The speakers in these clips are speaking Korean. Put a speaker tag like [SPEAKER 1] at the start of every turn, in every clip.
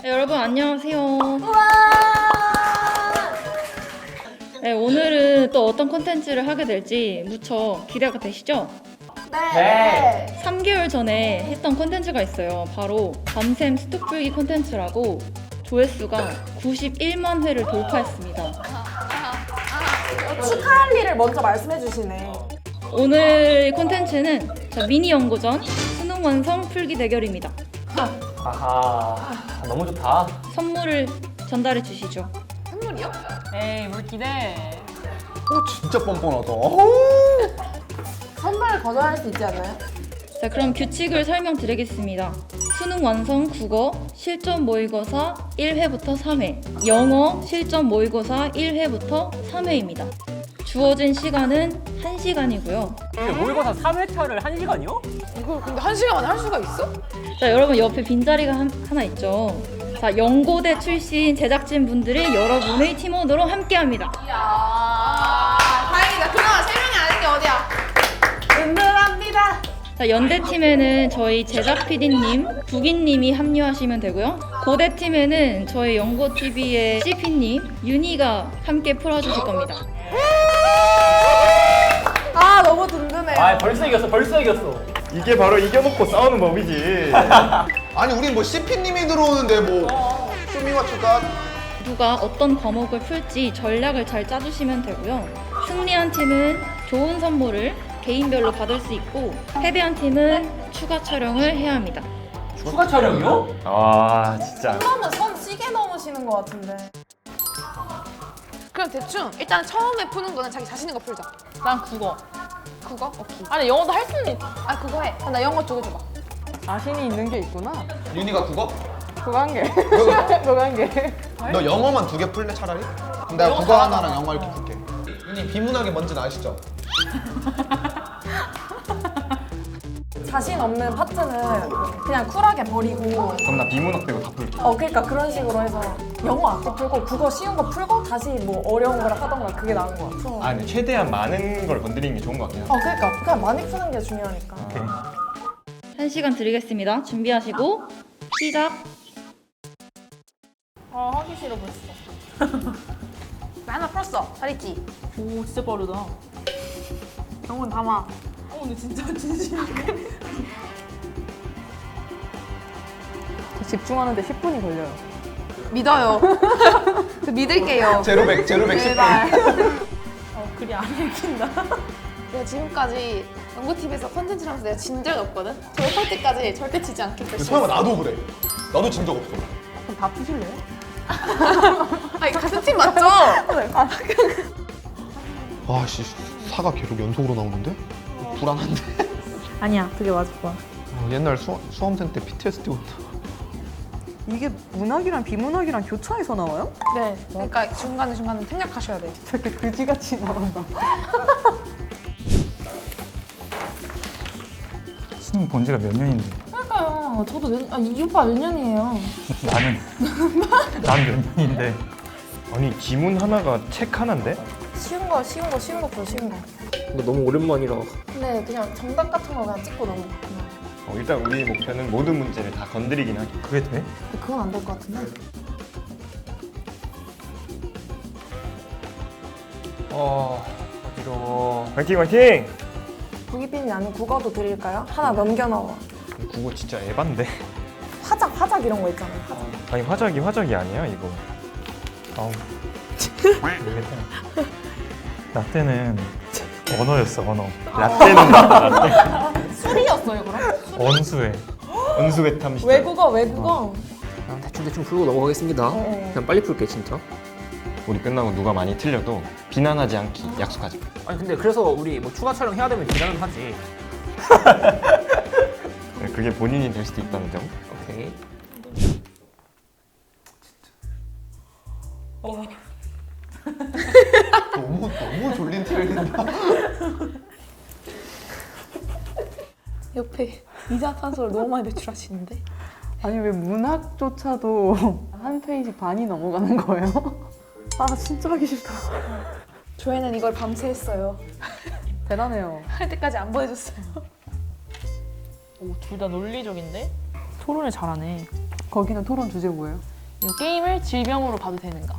[SPEAKER 1] 네, 여러분 안녕하세요.
[SPEAKER 2] 우와!
[SPEAKER 1] 네, 오늘은 또 어떤 콘텐츠를 하게 될지 무척 기대가 되시죠?
[SPEAKER 2] 네.
[SPEAKER 1] 3개월 전에 했던 콘텐츠가 있어요. 바로 밤샘 스톡 풀기 콘텐츠라고 조회수가 91만 회를 돌파했습니다.
[SPEAKER 2] 축하할 일을 먼저 말씀해 주시네.
[SPEAKER 1] 오늘 콘텐츠는 미니 연고전 수능 완성 풀기 대결입니다.
[SPEAKER 3] 아하, 너무 좋다.
[SPEAKER 1] 선물을 전달해 주시죠.
[SPEAKER 2] 선물이요?
[SPEAKER 4] 에이 뭘 기대.
[SPEAKER 5] 진짜 뻔뻔하다.
[SPEAKER 2] 선물 거절할 수 있지 않나요?
[SPEAKER 1] 자, 그럼 규칙을 설명드리겠습니다. 수능 완성 국어 실전 모의고사 1회부터 3회, 영어 실전 모의고사 1회부터 3회입니다. 주어진 시간은 1시간이고요.
[SPEAKER 3] 모의고사 3회차를 1시간이요?
[SPEAKER 2] 이걸 근데 1시간 만에 할 수가 있어?
[SPEAKER 1] 자, 여러분 옆에 빈자리가 하나 있죠. 자, 연고대 출신 제작진 분들이 여러분의 팀원으로 함께합니다.
[SPEAKER 2] 이야, 다행이다. 그나마 3명이 아닌 게 어디야. 든든합니다.
[SPEAKER 1] 자, 연대팀에는 저희 제작 PD님, 북인님이 합류하시면 되고요. 고대팀에는 저희 연고TV의 CP님, 윤희가 함께 풀어주실 겁니다.
[SPEAKER 2] 아, 너무 든든해요.
[SPEAKER 3] 아, 벌써 이겼어.
[SPEAKER 5] 이게 바로 이겨놓고 싸우는 법이지. 아니 우린 뭐 CP님이 들어오는데 뭐 쇼미 맞출까?
[SPEAKER 1] 누가 어떤 과목을 풀지 전략을 잘 짜주시면 되고요. 승리한 팀은 좋은 선물을 개인별로 받을 수 있고 패배한 팀은 추가 촬영을 해야 합니다.
[SPEAKER 3] 추가 촬영이요?
[SPEAKER 5] 아 진짜.
[SPEAKER 2] 그러면 선 시계 넘으시는 것 같은데. 그럼 대충 일단 처음에 푸는 거는 자기 자신 있는 거 풀자.
[SPEAKER 4] 난 국어.
[SPEAKER 2] 국어? 오케이.
[SPEAKER 4] 아니 영어도 할 수는 있.
[SPEAKER 2] 아, 그거 해. 나 영어 2개 줘봐.
[SPEAKER 4] 자신이 있는 게 있구나.
[SPEAKER 5] 윤희가 국어?
[SPEAKER 4] 그거 한 개. 그거 한 개.
[SPEAKER 5] 너 영어만 2개 풀래 차라리? 그럼 내가 국어 하나랑 영어 이렇게 풀게. 윤희 비문학이 뭔지는 아시죠?
[SPEAKER 2] 자신 없는 파트는 그냥 쿨하게 버리고.
[SPEAKER 5] 그럼 나 비문학 빼고 다 풀게.
[SPEAKER 2] 그러니까 그런 식으로 해서 영어 앞에 풀고 국어 쉬운 거 풀고 다시 뭐 어려운 거를 하던가 그게 나은 것 같아.
[SPEAKER 6] 아 근데 최대한 많은 걸 건드리는 게 좋은 것 같긴 해.
[SPEAKER 2] 그러니까 그냥 많이 푸는 게 중요하니까.
[SPEAKER 1] 1시간 드리겠습니다. 준비하시고 시작!
[SPEAKER 4] 하기 싫어 벌써.
[SPEAKER 2] 나 하나 풀었어. 잘했지?
[SPEAKER 4] 오 진짜 빠르다.
[SPEAKER 2] 영혼 담아.
[SPEAKER 4] 근데 진짜 진심이야. 집중하는데 10분이 걸려요.
[SPEAKER 2] 믿어요. 믿을게요.
[SPEAKER 5] 제로백 10분.
[SPEAKER 4] 글이 안 읽힌다.
[SPEAKER 2] 내가 지금까지 연구TV에서 컨텐츠를 하면서 내가 진 적이 없거든? 졸업할 때까지 절대 지지 않겠다.
[SPEAKER 5] 설마 나도 그래. 나도 진 적 없어.
[SPEAKER 4] 그럼 다 푸실래요?
[SPEAKER 2] 아니, 같은 팀 맞죠?
[SPEAKER 5] 아씨 사가 계속 연속으로 나오는데? 불안한데?
[SPEAKER 4] 아니야 그게 맞을 거야.
[SPEAKER 5] 옛날 수험생 때 PTSD 온다.
[SPEAKER 4] 이게 문학이랑 비문학이랑 교차해서 나와요?
[SPEAKER 2] 네. 그러니까 중간에 생략하셔야 돼요.
[SPEAKER 4] 저렇게 그지같이 나온다.
[SPEAKER 6] 수능 본 지가 몇 년인데.
[SPEAKER 2] 그러니까요. 저도 이 오빠 몇 년이에요?
[SPEAKER 6] 난 몇 년인데. 아니 지문 하나가 책 하나인데?
[SPEAKER 2] 쉬운 거 풀어, 쉬운 거.
[SPEAKER 3] 근데 너무 오랜만이라.
[SPEAKER 2] 근데 그냥 정답 같은 거 그냥 찍고 넘어가. 그냥.
[SPEAKER 6] 일단 우리 목표는 모든 문제를 다 건드리긴 하기. 그게 돼?
[SPEAKER 2] 근데 그건 안 될 것 같은데?
[SPEAKER 6] 어지러워. 화이팅 화이팅!
[SPEAKER 2] 부기빈이 아닌 국어도 드릴까요? 하나 넘겨놔봐.
[SPEAKER 6] 국어 진짜 에반데.
[SPEAKER 2] 화작 이런 거 있잖아요. 화작.
[SPEAKER 6] 아니 화작이 아니야 이거. 아우. 나 때는 언어였어 언어. 라떼는 맞다 라떼.
[SPEAKER 2] 술이었어요, 그럼?
[SPEAKER 6] 언수회. 언수회 탐시.
[SPEAKER 2] 외국어.
[SPEAKER 3] 대충 풀고 넘어가겠습니다. 그냥 빨리 풀게 진짜.
[SPEAKER 6] 우리 끝나고 누가 많이 틀려도 비난하지 않기 약속하자.
[SPEAKER 3] 아니 근데 그래서 우리 뭐 추가 촬영 해야 되면 비난은 하지.
[SPEAKER 6] 그게 본인이 될 수도 있다는 점.
[SPEAKER 3] 오케이.
[SPEAKER 5] 너무 졸린 티를 낸다.
[SPEAKER 2] 옆에 이산화탄소를 너무 많이 배출하시는데?
[SPEAKER 4] 아니 왜 문학조차도 한 페이지 반이 넘어가는 거예요? 아 진짜 하기 싫다.
[SPEAKER 2] 조회는 이걸 밤새 했어요.
[SPEAKER 4] 대단해요.
[SPEAKER 2] 할 때까지 안 보여줬어요.
[SPEAKER 4] 오, 둘 다 논리적인데? 토론을 잘하네.
[SPEAKER 7] 거기는 토론 주제 뭐예요?
[SPEAKER 2] 이 게임을 질병으로 봐도 되는가?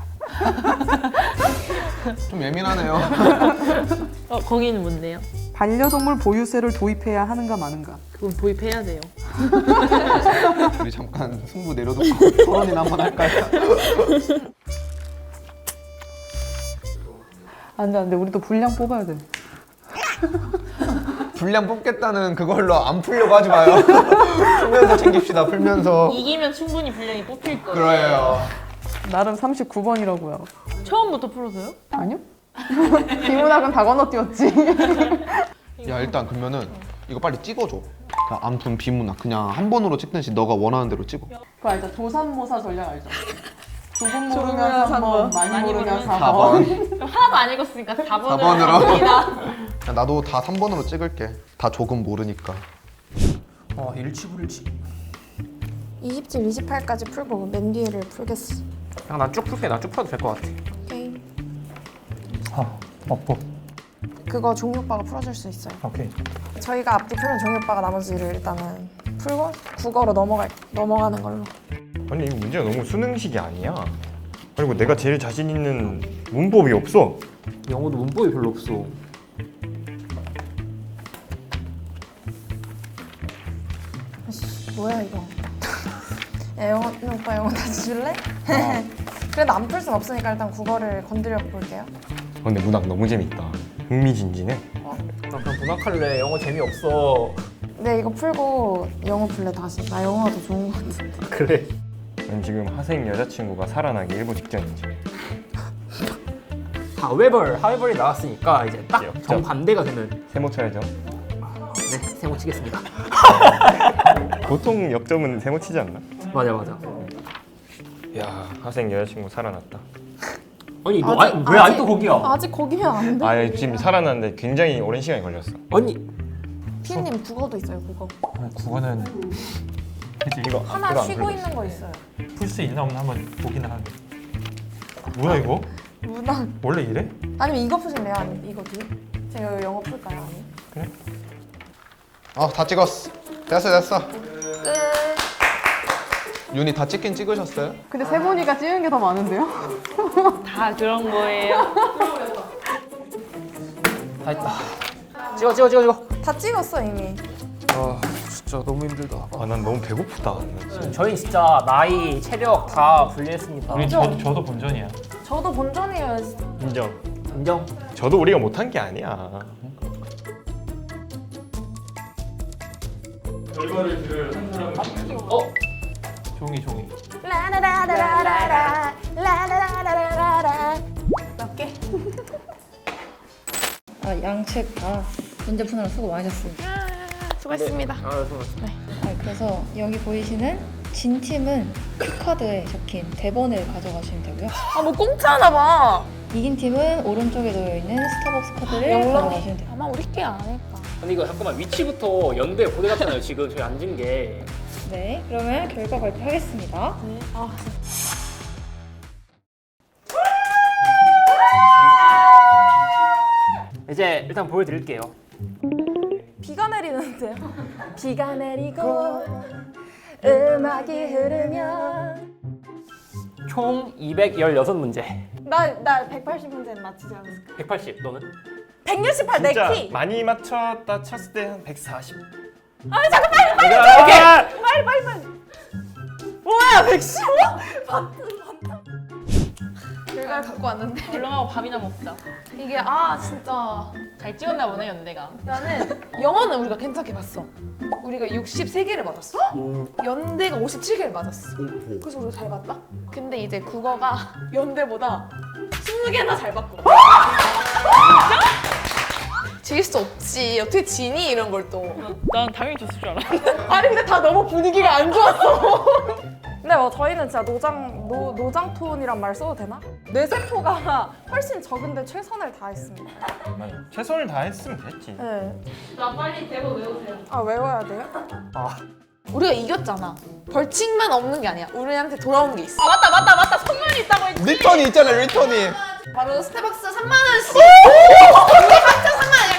[SPEAKER 5] 좀 예민하네요.
[SPEAKER 2] 거기는 뭔데요?
[SPEAKER 4] 반려동물 보유세를 도입해야 하는가 마는가.
[SPEAKER 2] 그건 도입해야 돼요.
[SPEAKER 5] 우리 잠깐 승부 내려놓고 토론이나 한번 할까요?
[SPEAKER 4] 안 돼, 안 돼. 우리도 분량 뽑아야 돼.
[SPEAKER 5] 분량 뽑겠다는 그걸로 안 풀려고 하지 마요. 풀면서 챙깁시다. 풀면서.
[SPEAKER 2] 이기면 충분히 분량이 뽑힐 거예요.
[SPEAKER 5] 그래요.
[SPEAKER 4] 나름 39번이라고요.
[SPEAKER 2] 처음부터 풀어서요?
[SPEAKER 4] 아니요? 비문학은 다 건너뛰었지.
[SPEAKER 5] 야 일단 그러면은 이거 빨리 찍어줘. 그러니까 암튼 비문학 그냥 한 번으로 찍든지 너가 원하는 대로 찍어.
[SPEAKER 4] 그거 알죠? 조삼모사 전략 알죠? 조금
[SPEAKER 2] 조금
[SPEAKER 4] 모르면 3번,
[SPEAKER 2] 3번,
[SPEAKER 4] 많이 모르면 4번.
[SPEAKER 5] 4번.
[SPEAKER 2] 하나도 안 읽었으니까 4번으로
[SPEAKER 5] 4번으로.
[SPEAKER 2] 합니다.
[SPEAKER 5] 나도 다 3번으로 찍을게. 다 조금 모르니까.
[SPEAKER 7] 일치불일치.
[SPEAKER 8] 20질 28까지 풀고 맨 뒤에를 풀겠어.
[SPEAKER 7] 그냥 난 쭉 풀게. 나 쭉 풀어도 될 것 같아.
[SPEAKER 8] 오케이.
[SPEAKER 7] 없고.
[SPEAKER 8] 그거 종이 오빠가 풀어줄 수 있어요.
[SPEAKER 7] 오케이.
[SPEAKER 8] 저희가 앞뒤 풀면 종이 오빠가 나머지를 일단은 풀고 국어로 넘어가는 걸로.
[SPEAKER 6] 아니 이 문제가 너무 수능식이 아니야. 그리고 내가 제일 자신 있는 문법이 없어.
[SPEAKER 3] 영어도 문법이 별로 없어.
[SPEAKER 8] 뭐야 이거? 야 영어 오빠 영어 다시 줄래? 그래도 안 풀 순 없으니까 일단 국어를 건드려 볼게요.
[SPEAKER 6] 근데 문학 너무 재밌다. 흥미진진해.
[SPEAKER 7] 나 그냥 문학할래. 영어 재미없어.
[SPEAKER 8] 네 이거 풀고 영어 풀래 다시. 나 영어가 더 좋은 것 같은데.
[SPEAKER 7] 그래.
[SPEAKER 6] 난 지금 하생 여자친구가 살아나기 일보 직전이지.
[SPEAKER 7] 하웨벌이 나왔으니까 이제 딱
[SPEAKER 6] 역전.
[SPEAKER 7] 정반대가 되는.
[SPEAKER 6] 세모 쳐야죠.
[SPEAKER 7] 네, 세모 치겠습니다.
[SPEAKER 6] 보통 역점은 세모 치지 않나?
[SPEAKER 7] 맞아.
[SPEAKER 6] 야 하생 여자친구 살아났다.
[SPEAKER 7] 아니 너
[SPEAKER 8] 아직-
[SPEAKER 7] 왜
[SPEAKER 8] 아직-
[SPEAKER 7] 아직도 거기야?
[SPEAKER 8] 아직 거기면 안 돼.
[SPEAKER 6] 아 지금 살아났는데 굉장히 오랜 시간이 걸렸어.
[SPEAKER 7] 아니
[SPEAKER 8] 피디님 국어도 있어요 국어.
[SPEAKER 9] 국어는
[SPEAKER 6] 이거
[SPEAKER 8] 하나
[SPEAKER 6] 이거 안
[SPEAKER 8] 쉬고
[SPEAKER 6] 풀고
[SPEAKER 8] 있는 거 있어요.
[SPEAKER 9] 풀 수 있나 없나 한번 보긴 하는데. 뭐야 이거?
[SPEAKER 8] 문학.
[SPEAKER 9] 원래 이래?
[SPEAKER 8] 아니면 이거 푸실래요? 아니면 이거 뒤? 제가 영어 풀까요? 아니면?
[SPEAKER 5] 다 찍었어. 됐어.
[SPEAKER 8] 끝.
[SPEAKER 5] 윤희 다 찍긴 찍으셨어요?
[SPEAKER 4] 근데 세 분이가 찍은 게 더 많은데요?
[SPEAKER 2] 다 그런 거예요.
[SPEAKER 7] 다 했다. 찍어.
[SPEAKER 8] 다 찍었어 이미.
[SPEAKER 3] 아 진짜 너무 힘들다.
[SPEAKER 6] 아 난 너무 배고프다.
[SPEAKER 7] 저희 진짜 나이, 체력 다 분리했습니다.
[SPEAKER 9] 우리 저도 본전이야.
[SPEAKER 8] 저도 본전이에요.
[SPEAKER 6] 인정.
[SPEAKER 7] 인정.
[SPEAKER 6] 저도 우리가 못한 게 아니야.
[SPEAKER 9] 종이.
[SPEAKER 8] 라라라라라라 라라라라라라. 몇 개?
[SPEAKER 1] 양책 다 문제 푸느라 수고 많으셨습니다.
[SPEAKER 2] 수고했습니다.
[SPEAKER 1] 그래서 여기 보이시는 진 팀은 큐카드에 적힌 대본을 가져가시면 되고요.
[SPEAKER 2] 뭐 공짜나 봐.
[SPEAKER 1] 이긴 팀은 오른쪽에 놓여 있는 스타벅스 카드를
[SPEAKER 2] 영롱이.
[SPEAKER 1] 가져가시면 돼요.
[SPEAKER 2] 아마 우리 게 아닐까.
[SPEAKER 7] 근데 이거 잠깐만 위치부터 연대 고대 같잖아요. 지금 저희 앉은 게.
[SPEAKER 1] 네, 그러면 결과 발표하겠습니다.
[SPEAKER 7] 이제 일단 보여드릴게요.
[SPEAKER 8] 비가 내리는데요. 비가 내리고 음악이 흐르면
[SPEAKER 7] 총 216문제.
[SPEAKER 8] 나 180문제는 맞히지 않았을까?
[SPEAKER 7] 180 너는?
[SPEAKER 8] 168
[SPEAKER 6] 진짜
[SPEAKER 8] 내 키.
[SPEAKER 6] 많이 맞췄다 쳤을 때 한 140.
[SPEAKER 8] 빨리. 뭐야 115? 결과를 갖고 왔는데
[SPEAKER 2] 얼렁하고 밥이나 먹자.
[SPEAKER 8] 이게 진짜
[SPEAKER 2] 잘 찍었나 보네 연대가. 나는 영어는 우리가 괜찮게 봤어. 우리가 63개를 맞았어. 연대가 57개를 맞았어. 그래서 우리가 잘 봤다. 근데 이제 국어가 연대보다 20개나 잘 봤고. 질 수 없지. 어떻게 지니 이런 걸 또.
[SPEAKER 10] 난 당연히 졌을 줄 알았는데.
[SPEAKER 2] 아니 근데 다 너무 분위기가 안 좋았어.
[SPEAKER 8] 근데 저희는 진짜 노장 톤이란 말 써도 되나? 뇌세포가 훨씬 적은데 최선을 다했습니다.
[SPEAKER 6] 맞아. 최선을 다했으면 됐지.
[SPEAKER 8] 네.
[SPEAKER 2] 나 빨리 대본 외우세요.
[SPEAKER 8] 외워야 돼요?
[SPEAKER 2] 우리가 이겼잖아. 벌칙만 없는 게 아니야. 우리한테 돌아온 게 있어.
[SPEAKER 10] 맞다. 선물이 있다고 했지.
[SPEAKER 5] 리턴이 있잖아요. 리턴이.
[SPEAKER 2] 바로 스타벅스 3만 원씩. 우리 각자 3만 원이야.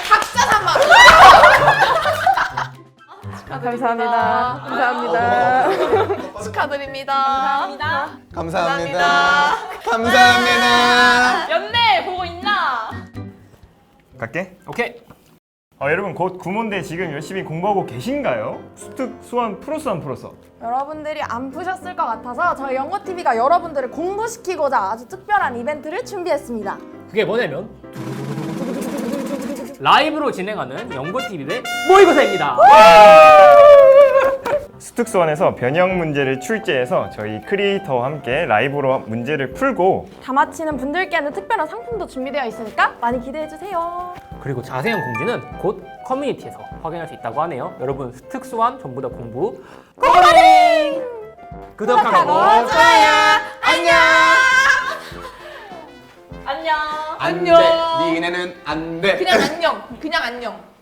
[SPEAKER 2] 각자 3만 원.
[SPEAKER 8] 감사합니다. 감사합니다.
[SPEAKER 2] 축하드립니다.
[SPEAKER 5] 감사합니다. 감사합니다.
[SPEAKER 10] 연대 보고 있나?
[SPEAKER 6] 갈게.
[SPEAKER 7] 오케이.
[SPEAKER 6] 여러분 곧 구몬대 지금 열심히 공부하고 계신가요? 수특, 수완, 프로수완 풀어서.
[SPEAKER 8] 여러분들이 안 푸셨을 것 같아서 저희 연고TV가 여러분들을 공부시키고자 아주 특별한 이벤트를 준비했습니다.
[SPEAKER 7] 그게 뭐냐면 라이브로 진행하는 연고TV 대 모의고사입니다.
[SPEAKER 6] 수특, 수완에서 변형 문제를 출제해서 저희 크리에이터와 함께 라이브로 문제를 풀고
[SPEAKER 8] 다 마치는 분들께는 특별한 상품도 준비되어 있으니까 많이 기대해주세요.
[SPEAKER 7] 그리고 자세한 공지는 곧 커뮤니티에서 확인할 수 있다고 하네요. 여러분 특수한 전부 다 공부 고고링! 구독하고
[SPEAKER 8] 좋아요. 안녕.
[SPEAKER 10] 안녕.
[SPEAKER 5] 안 돼. 니네는 안 돼.
[SPEAKER 2] 그냥 안녕. 그냥 안녕.